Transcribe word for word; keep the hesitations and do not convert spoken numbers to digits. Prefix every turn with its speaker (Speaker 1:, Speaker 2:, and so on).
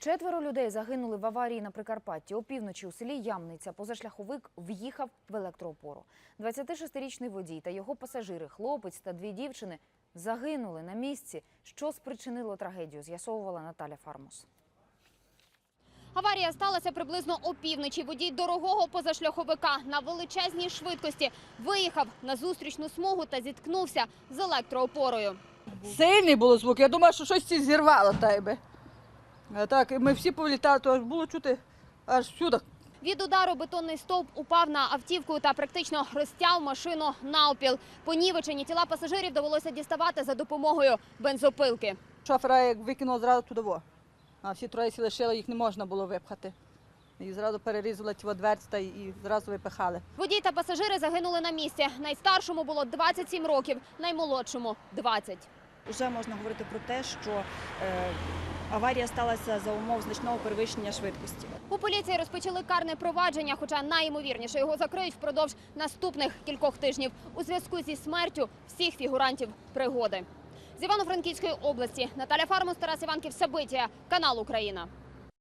Speaker 1: Четверо людей загинули в аварії на Прикарпатті. Опівночі у селі Ямниця позашляховик в'їхав в електроопору. двадцятишестирічний водій та його пасажири, хлопець та дві дівчини, загинули на місці. Що спричинило трагедію, з'ясовувала Наталя Фармус.
Speaker 2: Аварія сталася приблизно опівночі. Водій дорогого позашляховика на величезній швидкості виїхав на зустрічну смугу та зіткнувся з електроопорою.
Speaker 3: Сильний було звук. Я думала, що щось зірвало тебе. А так, ми всі повлітали, то аж було чути аж всюди.
Speaker 2: Від удару бетонний стовп упав на автівку та практично розтяв машину навпіл. Понівечені тіла пасажирів довелося діставати за допомогою бензопилки.
Speaker 3: Шофера як викинуло зразу туди. А всі троє сі лишили, їх не можна було випхати. І зразу перерізали ті дверці та і зразу випихали.
Speaker 2: Водій та пасажири загинули на місці. Найстаршому було двадцять сім років, наймолодшому – двадцять.
Speaker 4: Вже можна говорити про те, що е, аварія сталася за умов значного перевищення швидкості.
Speaker 2: У поліції розпочали карне провадження, хоча найімовірніше його закриють впродовж наступних кількох тижнів у зв'язку зі смертю всіх фігурантів пригоди. З Івано-Франківської області Наталя Фармус, Тарас Іванків, Сабитія, канал Україна.